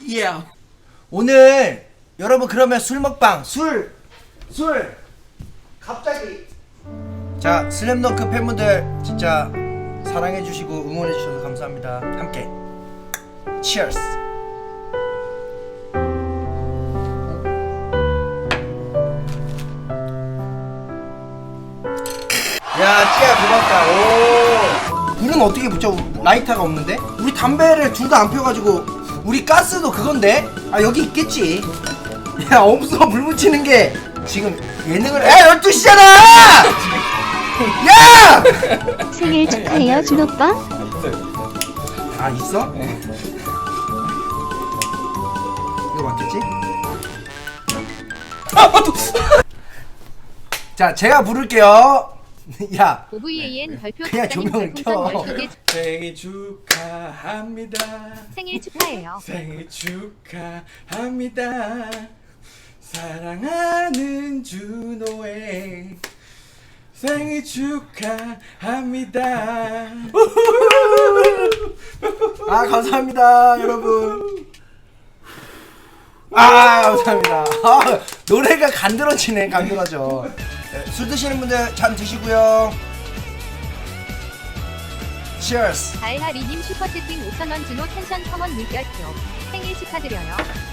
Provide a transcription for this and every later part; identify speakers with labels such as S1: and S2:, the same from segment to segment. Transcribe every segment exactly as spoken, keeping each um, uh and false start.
S1: 예.
S2: 오늘 여러분 그러면 술 먹방 술 술 갑자기 자 슬램덩크 팬분들 진짜 사랑해주시고 응원해주셔서 감사합니다. 함께 치얼스. 야 찌야 고맙다. 오 불은 어떻게 붙여? 라이터가 없는데? 우리 담배를 둘 다 안 펴가지고 우리 가스도 그건데? 아 여기 있겠지. 야 없어 불 붙이는 게 지금 예능을 야 열두 시잖아. 야!
S3: 생일 축하해요 준오빠.
S2: 아 있어? 이거 맞겠지? 자 제가 부를게요. 야
S4: 오브이에이엔 별표
S2: 그냥
S4: 박사님
S2: 조명을
S4: 별풍선
S2: 켜.
S4: 열두 개
S1: 생일 축하합니다.
S4: 생일 축하해요.
S1: 생일 축하합니다. 사랑하는 준호의 생일 축하합니다.
S2: 아 감사합니다 여러분. 아 감사합니다. 아, 노래가 간드러지네. 간드러져. 네, 술 드시는 분들 잠 드시고요. 치얼스.
S4: 달하리님 슈퍼채팅 오천 원 준호 텐션 컴온 물결표 생일 축하드려요.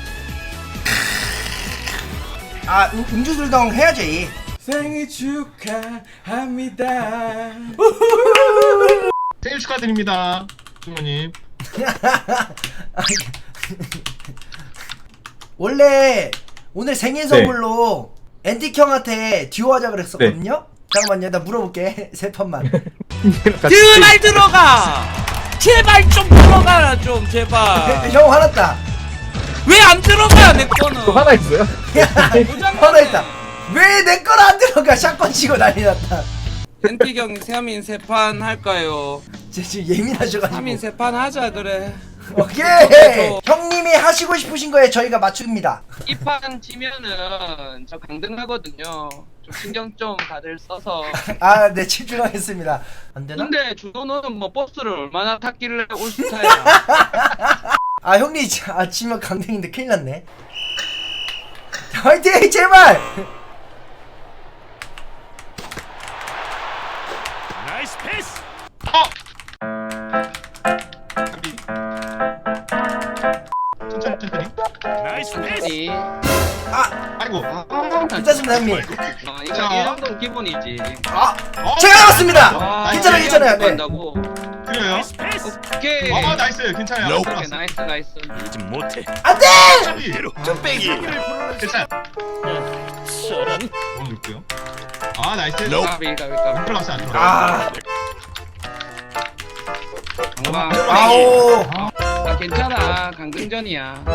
S2: 아 음, 음주술동 해야지.
S1: 생일 축하합니다.
S5: 생일 축하드립니다, 주모님.
S2: 원래 오늘 생일 선물로 앤틱 형한테 듀오 하자 그랬었거든요. 잠깐만요 나 물어볼게. 세 판만.
S6: 제발 들어가! 제발 좀 들어가라 좀 제발.
S2: 형 화났다.
S6: 왜 안 들어가 내 거는?
S5: 하나 있어요?
S2: 야 화났다. 왜 내 거는 안 들어가. 샷건 치고 난리 났다.
S6: 엔티경 세민 세판 할까요?
S2: 제 지금 예민하셔가지고.
S6: 세민 세판 하자 그래.
S2: 오케이. 형님이 하시고 싶으신 거에 저희가 맞춥니다.
S6: 이 판 지면은 저 강등하거든요. 좀 신경 좀 다들 써서.
S2: 아 네 집중하겠습니다. 안 되나?
S6: 근데 주도는 뭐 버스를 얼마나 탔길래 올스타야.
S2: 아 형님 아 지면 강등인데 큰일 났네. 화이팅 제발.
S7: 나이스 패스.
S5: 천천히, 천천히.
S7: 나이스 패스.
S6: 아니,
S2: 아
S5: 아이고.
S2: 괜찮습니다 형님.
S6: 어, 이거 이 정도는 기본이지.
S2: 아
S6: 어?
S2: 제가 나왔습니다.
S5: 아,
S2: 괜찮아요 괜찮아요. 네.
S6: 한다고.
S5: 그래요?
S7: 나이스 패스.
S6: 오케이.
S5: 아, 나이스. 괜찮아요.
S6: 오케이
S5: 들어갔어.
S6: 나이스 나이스.
S7: 요즘 못해.
S2: 안돼.
S5: 천천히.
S7: 좀 빼기.
S5: 괜찮아.
S7: 저런.
S5: 넣어줄게요. 아, 나이스.
S6: 가비 가비 가비.
S5: 안 들어갔어, 안 들어갔어.
S2: 아
S6: 아,
S2: 아오.
S6: 아 괜찮아 강등전이야.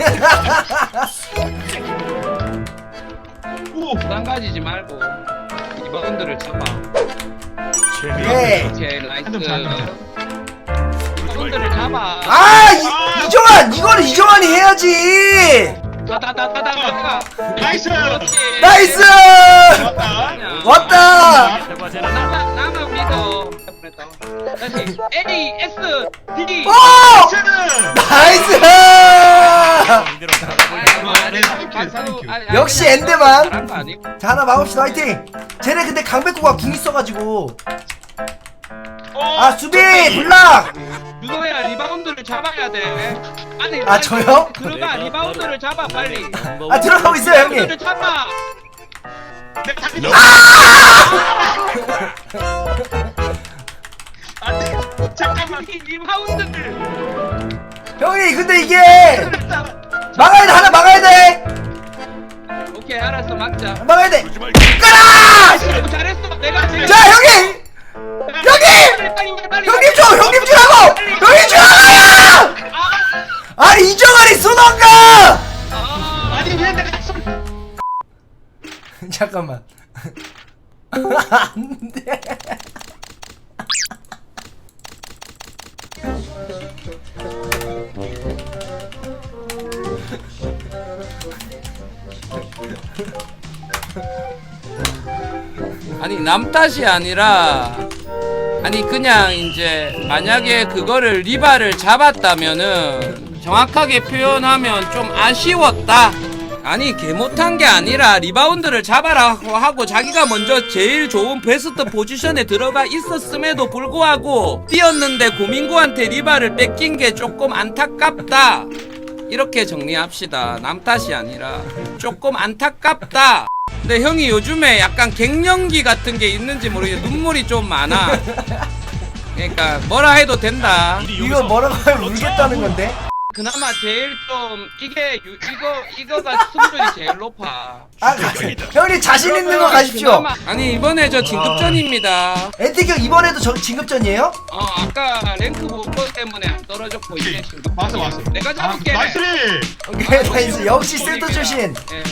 S5: 오!
S6: 부담 가지지 말고 리바운드를 잡아.
S2: 네.
S6: 오케이 나이스.
S5: 한점 잘한다.
S6: 리바운드를 잡아.
S2: 아 이, 이정환 이거는 이정환이 해야지.
S6: 다다다다다다.
S5: 나이스!
S2: 나이스.
S5: 좋았다.
S2: 왔다.
S7: 결과제는
S6: 나만 나만 믿어. 다시 A S D.
S2: 오
S5: 나이스!
S2: 나이스.
S7: 이대로 나가고
S5: 네, 사인큐, 사인큐.
S2: 역시 엔드만.
S6: 잘한 거 아니고.
S2: 자 하나 막읍시다 화이팅. 쟤네 근데 강백호가 궁 있어가지고. 아 수비 블락.
S6: 유도야 리바운드를 잡아야 돼. 아니
S2: 아 저요?
S6: 들어가 리바운드를 잡아 빨리.
S2: 아 들어가고 있어요 형님.
S6: 리바운드를 잡아.
S5: 내가 다시 안 돼. 잠깐만.
S6: 이 리바운드를.
S2: 형님 근데 이게 막아야 돼. 하나 막아야 돼.
S6: 오케이 알았어 막자.
S2: 막아야 돼.
S7: 주지 말고.
S2: 가라.
S6: 잘했어 내가 지금.
S2: 자 형님. 형님!
S6: 빨리 빨리 빨리.
S2: 형님 줘! 형님 주라고! 형님 주라고! 아니 이정환이 쏘던가!
S6: 아,
S5: 아니, 왜 내가 손.
S2: 잠깐만. 안돼.
S6: 아니 남 탓이 아니라 아니 그냥 이제 만약에 그거를 리바를 잡았다면은 정확하게 표현하면 좀 아쉬웠다. 아니 개 못한 게 아니라 리바운드를 잡아라고 하고 자기가 먼저 제일 좋은 베스트 포지션에 들어가 있었음에도 불구하고 뛰었는데 고민구한테 리바를 뺏긴 게 조금 안타깝다. 이렇게 정리합시다. 남 탓이 아니라 조금 안타깝다. 근데 형이 요즘에 약간 갱년기 같은 게 있는지 모르겠 눈물이 좀 많아. 그러니까 뭐라 해도 된다.
S2: 이거 뭐라고 하면 울겠다는 건데?
S6: 그나마 제일 좀 이게 유, 이거 이거가 승률이 제일 높아.
S2: 아, 형님 자신 있는 거 가십시오.
S6: 그나마- 아니 이번에 저 진급전입니다.
S2: 엔티형 이번에도 저 진급전이에요?
S6: 어 아까 랭크 못보 때문에 안 떨어졌고 이제 진급.
S5: 왔어 왔어.
S6: 내가 잡을게.
S5: 아, 나이스.
S2: 오케이 나이스. 역시 센터 출신.
S6: 예.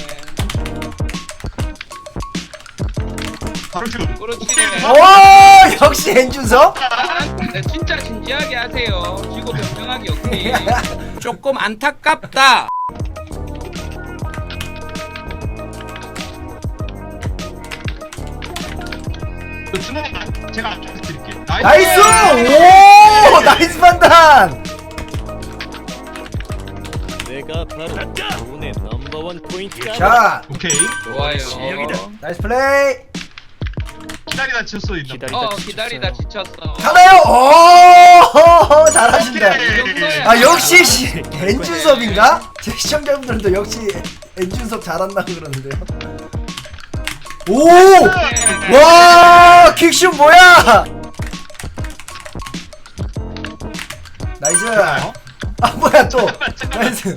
S5: 바로 슛.
S6: 그렇지.
S2: 오 역시 엔준석.
S6: 아, 네, 진짜 진지하게 하세요. 지고 변명하기 오케이. 조금 안타깝다.
S5: 준호님 제가 앞에서 드릴게요.
S2: 나이스. 오 나이스 판단.
S7: 내가 바로 오늘 넘버원 포인트가
S2: 자
S5: 오케이.
S6: 좋아요.
S2: 나이스 플레이.
S5: 기다리다 쳤어 있나.
S7: 기다리다
S6: 어 기다리다 지쳤어.
S2: 가나요? 오 잘하신다.
S5: 오케이.
S2: 아 역시 씨, 엔준섭인가? 제 시청자분들도 역시 엔준섭 잘한다고 그러는데요. 오! 와 킥슛 뭐야? 나이스. 아 뭐야 또? 나이스.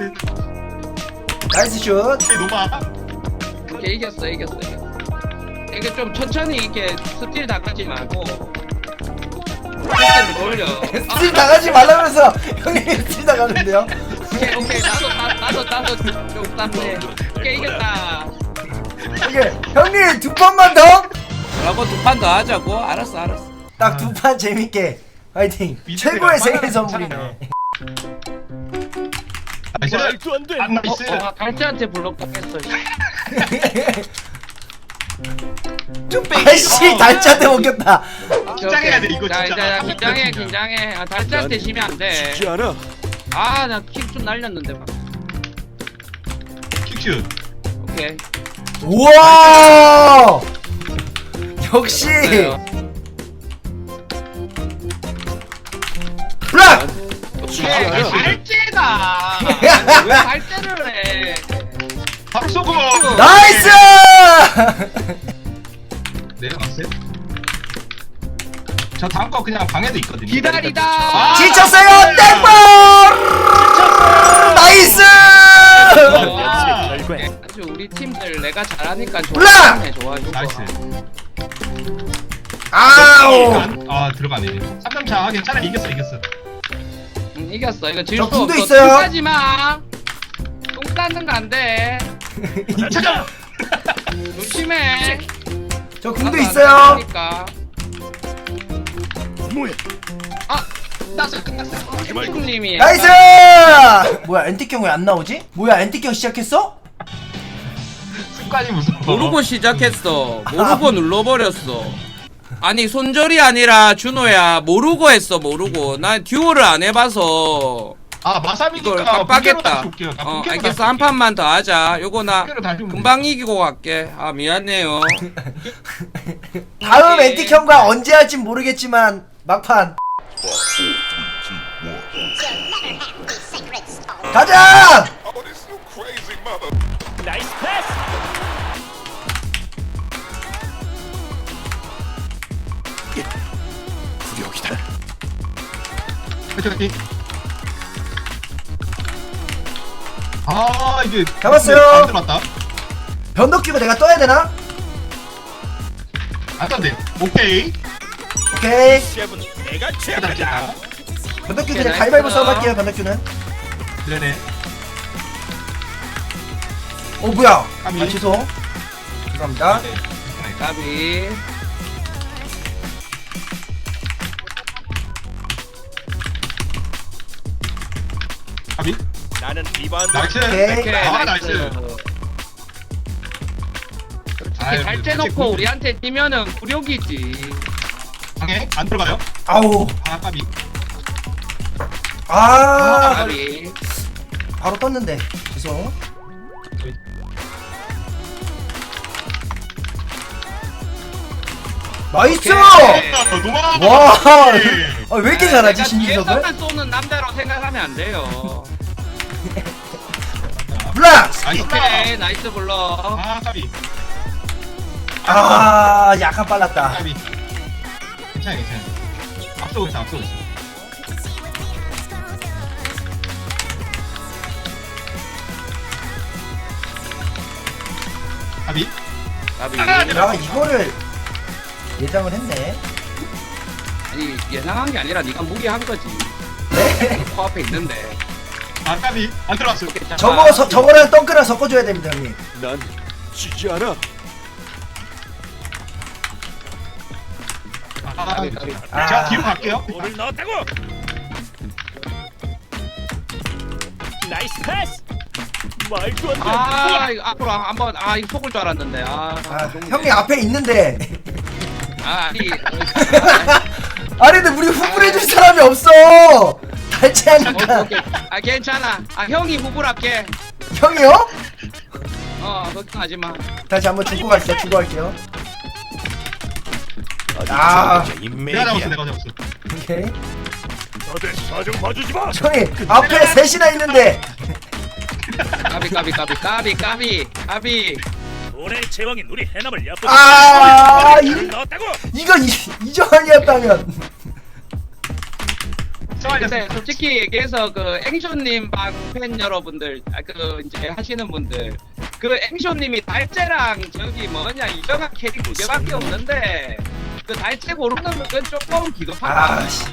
S2: 나이스 슛.
S5: 오케이 노마.
S6: 오케이 이겼어 이겼어 이겼어. 이게 좀 천천히 이렇게 스틸 당하지 말고 스틸을 돌려.
S2: 스틸 당하지 말라면서 형님이 스틸 당하는데요?
S6: 오케이 오케이 나도 나, 나도 나도 좀 땀내. 오케이 이겼다.
S2: 이게 형님 두 판만 더?
S6: 라고 두 판 더 하자고. 알았어 알았어.
S2: 딱 두 판 재밌게 화이팅. 최고의 생일 선물이네.
S5: 나이스.
S7: 말도 안 돼.
S5: 안 나이스.
S6: 어, 어 갈치한테 불렀겠어.
S2: 아이씨 달짜대 먹겠다.
S5: 긴장해야 돼 이거
S6: 자,
S5: 진짜.
S6: 자, 자, 긴장해, 긴장해. 아, 달짜한테 지면 안 돼.
S7: 쉽지 않아.
S6: 아, 나 킥 좀 날렸는데 막.
S5: 킥슛.
S6: 오케이.
S2: 우와 역시
S6: 그래요.
S2: 블락.
S6: 오케이.
S5: 나이스.
S6: 달째다. 왜 달째를 해?
S5: 바로 쏘고.
S2: 나이스.
S5: 내려갔어요? 저 다음 거 그냥 방에도 있거든요.
S6: 기다리다.
S5: 아,
S2: 지쳤어요 땡볼. 나이스.
S5: 아,
S7: 결과에
S6: 아주 우리 팀들 내가 잘하니까
S2: 올라!
S6: 좋아해, 좋아해.
S5: 나이스.
S2: 아우.
S5: 아 들어가네. 삼 점 차 아, 괜찮아 이겼어 이겼어.
S6: 응, 이겼어. 이거 질
S2: 저
S6: 수
S2: 궁도
S6: 없어.
S2: 있어요.
S6: 똥 싸지 마. 똥 싸는 거 안 돼.
S5: 잠깐.
S6: 조심해.
S2: 저 궁도
S6: 나도 안
S2: 있어요.
S6: 되니까.
S7: 뭐야?
S6: 아, 났어. 끝났어. 님이
S2: 나이스. 뭐야 엔티형 왜 안 나오지? 뭐야 엔티형 시작했어?
S5: 습관이 무서워.
S6: 모르고 시작했어. 모르고 눌러버렸어. 아니 손절이 아니라 준호야 모르고 했어 모르고. 난 듀오를 안 해봐서
S5: 아 마사미니까
S6: 이걸 깜빡했다.
S5: 볼게요. 아,
S6: 어
S5: 본캐로
S6: 알겠어
S5: 다시
S6: 한 판만 더 하자. 요거 나
S5: 본캐로 다시 보면
S6: 금방 이기고 갈게. 아 미안해요.
S2: 다음
S6: 오케이.
S2: 엔티형과 언제 할진 모르겠지만 막판 가자.
S7: 나이스 패스. 구력이다.
S5: 그치 그치. 아 이게
S2: 잡았어요.
S5: 안 들어왔다.
S2: 변덕 끼고 내가 떠야 되나?
S5: 안 떴네. 오케이.
S2: 오케이.
S7: 셰프는 내가
S5: 기다려.
S7: 최고다.
S2: 변덕 끼
S6: 오케이,
S2: 그냥 가위바위보
S6: 나이스.
S2: 싸움 할게요 변덕 끼는.
S5: 그러네.
S2: 어 뭐야?
S5: 까비.
S2: 아 죄송. 죄송합니다.
S5: 네.
S6: 까비.
S5: 까비.
S7: 나는 리바운드.
S5: 나이스.
S2: 오케이.
S6: 오케이,
S5: 아
S6: 나이스.
S5: 나이스.
S6: 이렇게 잘 째놓고 우리한테 뛰면은 굴욕이지.
S5: 방에 안 들어가요?
S2: 아우.
S5: 아 까비.
S2: 아
S6: 까비.
S2: 바로 떴는데 죄송. 나이스!
S5: 아,
S2: 와! 아, 왜 이렇게 잘하지
S6: 내가
S2: 신기석을?
S6: 뒤에서만 쏘는 남자로 생각하면 안 돼요.
S2: 블락스!
S5: 나이스.
S6: 오케이 나이스 블러.
S5: 아 까비.
S2: 아 약간 빨랐다.
S5: 까비. 괜찮아 괜찮아. 앞서고 있어 앞서고 있어. 까비.
S6: 까비.
S2: 야 이거를 예상을 했네.
S6: 아니 예상한 게 아니라 네가 무리한 거지.
S2: 네?
S6: 코앞에 있는데.
S5: 아 까비. 안 들어왔어.
S2: 저거 서, 저거랑 덩크랑 섞어줘야 됩니다 형님.
S7: 난 지지 않아.
S5: 아, 까비.
S6: 까비.
S2: 아.
S5: 제가 뒤로 갈게요.
S7: 볼을 넣었다고. 나이스 패스. 말도 안 돼.
S6: 아 이거 앞으로 한번 아 이거 속을 줄 알았는데. 아,
S2: 아
S6: 좀-
S2: 형님 앞에 있는데.
S6: 아 아니.
S2: 아니 근데 우리 후불해줄 사람이 없어.
S6: 오케이,
S2: 달치하니까.
S6: 오케이. 아 괜찮아. 아 형이 후불할게.
S2: 형이요?
S6: 어 걱정하지 마.
S2: 다시 한번 주고 갈게요. 주고 갈게요. 아.
S5: 내가 잡았어 내가 잡았어.
S2: 오케이.
S7: 다들 사정 봐주지 마.
S2: 형님 앞에 셋이나 있는데.
S6: 까비 까비 까비 까비 까비 까비.
S7: 올해 제왕인 우리 해남을 얕보지.
S2: 아,
S7: 볼을
S2: 이-
S7: 넣었다고.
S2: 이거 이, 이정환이었다면.
S6: 근데 솔직히 얘기해서 그 앵쇼님 방 팬 여러분들 아, 그 이제 하시는 분들 그 앵쇼님이 달재랑 저기 뭐냐 이정한 캐릭 두 개밖에 없는데 그 달재 고르는 건 조금 기겁하다.
S2: 아 씨.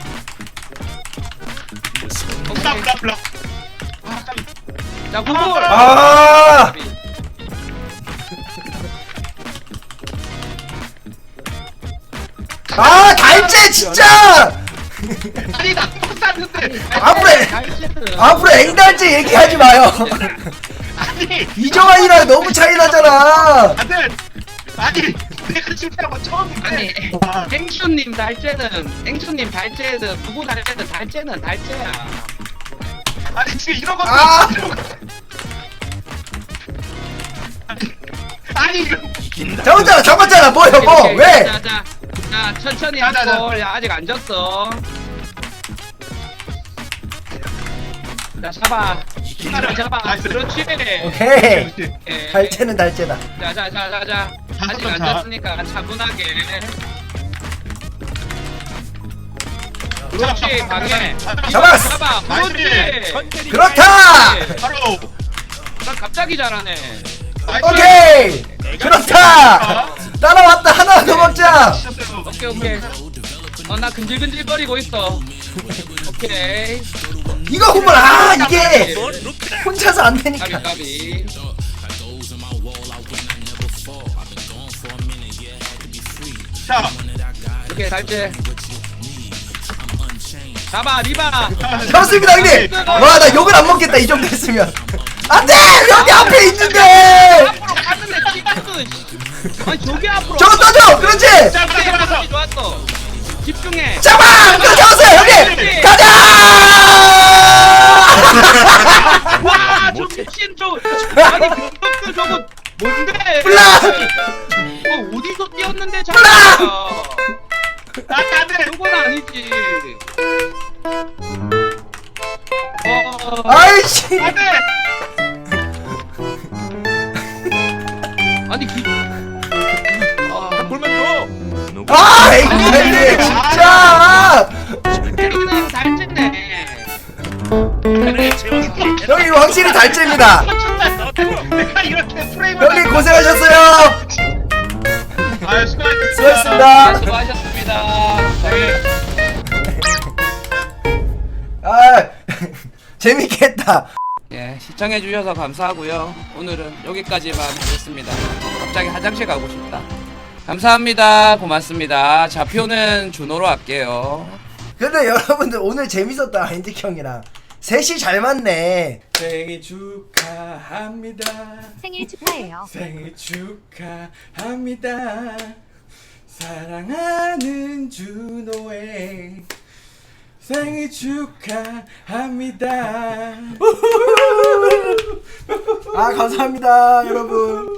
S5: 블락
S6: 오케이.
S5: 블락 블락. 아 까비.
S6: 자 구글.
S2: 아. 아 달재 진짜.
S6: 아니 나 샀는데.
S2: 앞으로 해. 앞으로 앵달재 얘기하지 마요.
S5: 아니
S2: 이정환이랑 너무 차이 나잖아.
S5: 다들 아니 내가 실패한 건 처음인데.
S6: 아니
S5: 아,
S6: 앵쇼님 달재는 앵쇼님 달재는 누구 달재는 달재는 달재야.
S5: 아니 지금 이런 것도
S2: 아.
S5: 이런 거- 아니 이거
S2: 잡았잖아 잡았잖아 뭐야 뭐
S6: 오케이, 오케이.
S2: 왜?
S6: 자, 자, 자 천천히
S5: 자, 자, 자.
S6: 하고 야 아직 안 졌어. 자 잡아. 하나 잡아.
S5: 나이스.
S6: 그렇지.
S2: 오케이.
S6: 예.
S2: 달재는 달재다.
S6: 자자자자자. 아직 안
S5: 자.
S6: 졌으니까 차분하게. 그렇지 방해.
S2: 잡았어.
S6: 잡아. 그렇지.
S5: 나이스.
S2: 그렇다.
S6: 그렇지.
S5: 바로
S6: 나 갑자기 잘하네.
S5: 나이스.
S2: 오케이. 그렇다. 따라왔다 하나 더 먹자.
S6: 오케이 오케이. 어 나 근질근질거리고 있어. 오케이.
S2: 이거 후불 아 이게
S7: 뭘 눕히다.
S2: 혼자서 안
S6: 까비
S2: 되니까.
S6: 까비.
S5: 자
S6: 오케이 달재. 잡아 리바.
S2: 잡았습니다 형님. 와 나 욕을 안 먹겠다 이 정도 했으면. 안돼 여기 앞에 있는데.
S6: 앞으로 갔는데 찍었어. 아니 저기 앞으로.
S2: 저거 떠줘. 그렇지.
S6: 잡았어. 좋았어. 집중해.
S2: 잡아. 그거 잡았어요 형님. 가자.
S6: 와, 저 미친 저 아니 병력들 저거 뭔데?
S2: 블락!
S6: 어 어디서 뛰었는데
S2: 블락!
S6: 잡았어?
S5: 안돼.
S6: 저건 아니지. 어,
S2: 아이씨.
S5: 안돼.
S6: 아니 기. 아,
S7: 볼만
S2: 아 앵글이 진짜.
S6: 때리는 달쨌네.
S7: 올해 제왕인 우리 해남
S2: 형님 확실히 달재입니다.
S7: 넣었다고.
S5: 내가 이렇게 프레임을
S2: 형님 고생하셨어요.
S5: 아 수고하셨습니다.
S2: 수고하셨습니다.
S6: 수고하셨습니다. 네.
S2: 아 재밌겠다.
S6: 예, 시청해주셔서 감사하고요. 오늘은 여기까지만 하겠습니다. 갑자기 화장실 가고 싶다. 감사합니다. 고맙습니다. 좌표는 준호로 할게요.
S2: 근데 여러분들 오늘 재밌었다 인디 형이랑 셋이 잘 맞네.
S1: 생일 축하합니다.
S4: 생일 축하해요.
S1: 생일 축하합니다. 사랑하는 준호의 생일 축하합니다.
S2: 아 감사합니다 여러분.